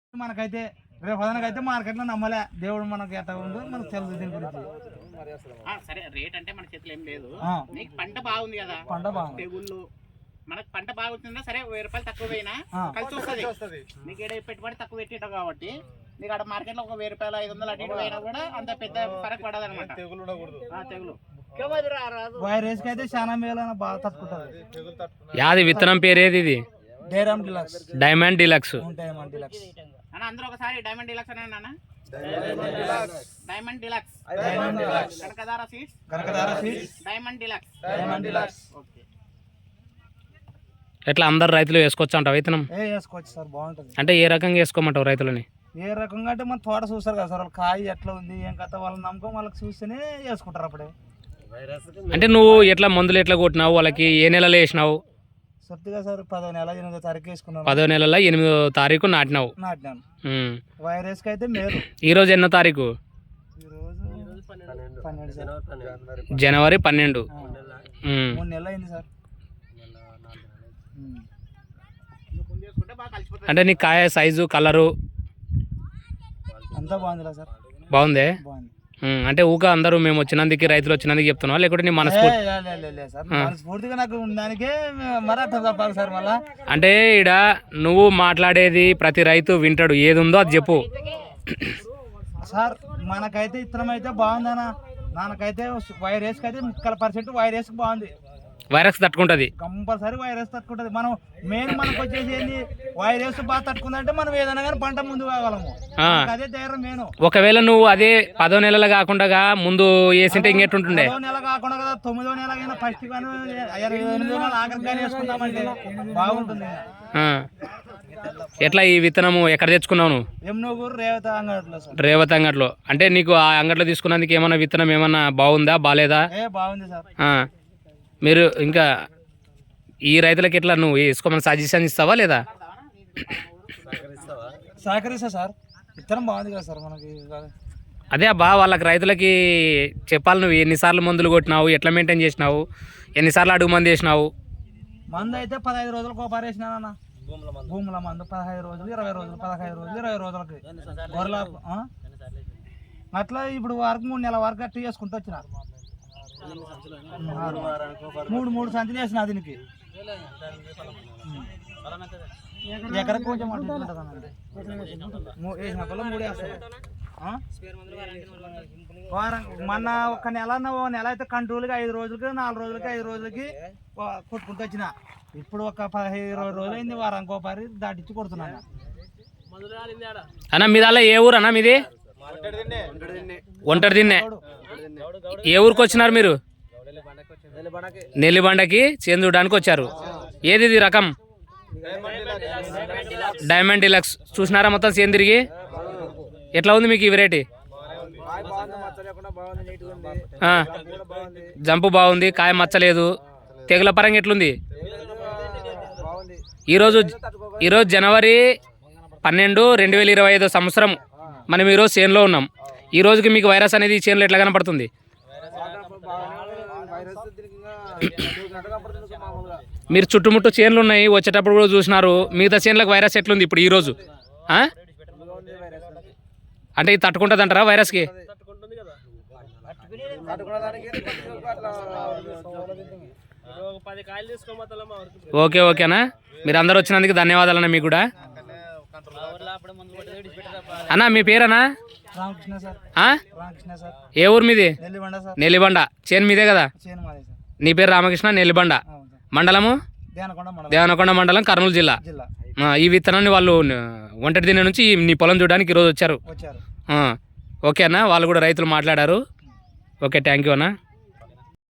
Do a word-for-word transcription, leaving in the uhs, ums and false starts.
మనకైతే రేపు పదనకైతే మార్కెట్లో నమ్మలే దేవుడు మనకి ఎట్లా ఉందో మనకు తెలుసు దీని గురించి. సరే రేట్ అంటే మన చేతిలో ఏం లేదు. నీకు పంట బాగుంది కదా, పంట బాగుంది, తెగుళ్ళు మనకు పంట బాగుంటుందా సరే వెయ్యి రూపాయలు తక్కువ పోయినా కలిసి వస్తుంది. నీకు ఏడ పెట్టుబడి తక్కువ పెట్టేటావు కాబట్టి నీకు అక్కడ మార్కెట్ లో ఒక వెయ్యి రూపాయలు ఐదు వందలు అటు ఇటు పోయినా కూడా అంత పెద్ద ఫరక్ పడదు అనమాట. తెగులు వైరస్ కి అయితే చాలా మేలు బాగా తట్టుకుంటది. యాది విత్తనం పేరేది ఇది? Diamond deluxe. Diamond deluxe. Diamond deluxe అన్న అందరూ ఒకసారి డైమండ్ డిలక్స్ అనే అన్న. Diamond deluxe. Diamond deluxe. Kanakadhara seeds. Kanakadhara seeds. Diamond deluxe. Diamond deluxe. Okay. ఎట్లా అందరు రైతులు వేసుకోవచ్చు అంటావు విత్తనం? ఏ వేసుకోవచ్చు సార్, బాగుంటుంది. అంటే ఏ రకంగా వేసుకోమంటావు రైతులని? ఏ రకంగా అంటే మన తోట చూస్తారు కదా సార్, వాళ్ళ కాయ ఎట్లా ఉంది ఏం కథ వాళ్ళని నమ్మకం వాళ్ళకి చూస్తేనే వేసుకుంటారు అప్పుడే. అంటే నువ్వు ఎట్లా మందులు ఎట్లా కొట్టినావు వాళ్ళకి? ఏ నెలలో వేసినావు? సొత్తుగా సార్ పదో నెల ఎనిమిదో తారీఖు వేసుకున్నాను. పదో నెలలో ఎనిమిదో తారీఖు నాటినావు. నాటినాను. వైరస్ కి అయితే మేలు. ఈ రోజు ఎన్నో తారీఖు? జనవరి పన్నెండు. మూడు నెలలు అయింది సార్. అంటే నీ కాయ సైజు కలరు అంతా బాగుంది సార్. బాగుందే. బాగుంది. అంటే ఊక అందరూ మేము వచ్చినందుకు రైతులు వచ్చినందుకు చెప్తున్నావా లేకుంటే నీ మనస్ఫూర్తి? మనస్ఫూర్తిగా నాకు దానికే మరాఠా తప్పాలి సార్. మళ్ళా అంటే ఈడ నువ్వు మాట్లాడేది ప్రతి రైతు వింటాడు, ఏది ఉందో అది చెప్పు సార్. మనకైతే ఇత్తనం అయితే బాగుందనా, నాకైతే వైరస్ అయితే ముక్కల పర్సెంట్ వైరస్ బాగుంది. వైరస్ తట్టుకుంటది కంపల్సరీ, వైరస్ తట్టుకుంటది. మనం మెయిన్ మనకు వచ్చేసి ఏంది, వైరస్ బాగా తట్టుకుందంటే మనం ఏదైనా కానీ పంట ముందు కాగలము. అదే ధైర్యం మెయిన్. ఒకవేళ నువ్వు అదే పదో నెలలు కాకుండా ముందు వేసింటే ఇంకెట్టుంటుండే? పదో నెల కాకుండా కదా తొమ్మిదో నెల అయినా ఫస్ట్ కానీ ఎనిమిదో నెల ఆఖరి కానీ వేసుకుందామంటే బాగుంటుంది. ఎట్లా ఈ విత్తనము ఎక్కడ తెచ్చుకున్నావు నువ్వు? ఎమ్నూరు రేవత అంగట్లో. రేవత అంగట్లో. అంటే నీకు ఆ అంగట్లో తీసుకున్నందుకు ఏమన్నా విత్తనం ఏమన్నా బాగుందా బాలేదా? ఏ బాగుంది సార్. మీరు ఇంకా ఈ రైతులకి ఎట్లా నువ్వు వేసుకోమని సజెషన్ ఇస్తావా లేదా? సహకరిస్తా సార్. విత్తనం బాగుంది కదా సార్ మనకి. అదే అబ్బా వాళ్ళకి రైతులకి చెప్పాలి, నువ్వు ఎన్నిసార్లు మందులు కొట్టినావు, ఎట్లా మెయింటైన్ చేసినావు, ఎన్నిసార్లు అడుగు మంది వేసినావు? మందు అయితే పదహైదు రోజులకు ఒకసారి వేసినానన్న. భూముల మందు పదహైదు రోజులు ఇరవై రోజులు పదహైదు రోజులు ఇరవై రోజులకి గొర్రెల అట్లా. ఇప్పుడు వరకు మూడు నెలల వరకు అట్లా చేసుకుంటూ వచ్చిన. మూడు మూడు సంచులు వేసిన దీనికి. ఎకరకు కొంచెం వేసిన కల్లా మూడు వేస్తారు. వారం మొన్న ఒక నెల నెల అయితే కంట్రోల్గా ఐదు రోజులకి నాలుగు రోజులకి ఐదు రోజులకి కొట్టుకుంటూ వచ్చిన. ఇప్పుడు ఒక పదిహేను ఇరవై రోజులు అయింది వారానికి ఒకసారి దాటిచ్చి కొడుతున్నాను. అన్న మీది అలా ఏ ఊరు అన్న మీది? ఒంటరి దిన్నే. ఏ ఊరికి వచ్చినారు మీరు? నెల్లిబండకి చేందుడానికి వచ్చారు. ఏది ఇది రకం? Diamond deluxe. చూసినారా మొత్తం చేను తిరిగి? ఎట్లా ఉంది మీకు ఈ వెరైటీ? జంపు బాగుంది, కాయ మచ్చలేదు. తెగుల పరంగా ఎట్లుంది? ఈరోజు ఈరోజు జనవరి పన్నెండు రెండు వేల ఇరవై ఐదో సంవత్సరం మనం ఈరోజు చేనులో ఉన్నాం. ఈ రోజుకి మీకు వైరస్ అనేది ఈ చేనులో ఎట్లా కనపడుతుంది? మీరు చుట్టుముట్టు చేనులు ఉన్నాయి, వచ్చేటప్పుడు కూడా చూసినారు. మిగతా చేనులకు వైరస్ ఎట్లుంది ఇప్పుడు ఈరోజు? అంటే ఇది తట్టుకుంటుంది అంటారా వైరస్కి? ఓకే ఓకేనా. మీరు అందరు వచ్చినందుకు ధన్యవాదాలు అన్న. మీకు కూడా అన్నా మీ పేరన్నా? ఏ ఊరు మీది? నెల్లిబండ. చేను మీదే కదా? నీ పేరు రామకృష్ణ. నెల్లిబండ మండలము దేవనకొండ మండలం, కర్నూలు జిల్లా. ఈ విత్తనాన్ని వాళ్ళు ఒంటరి దిన నుంచి నీ పొలం చూడడానికి ఈరోజు వచ్చారు. ఓకే అన్న, వాళ్ళు కూడా రైతులు మాట్లాడారు. ఓకే, థ్యాంక్ యూ అన్న.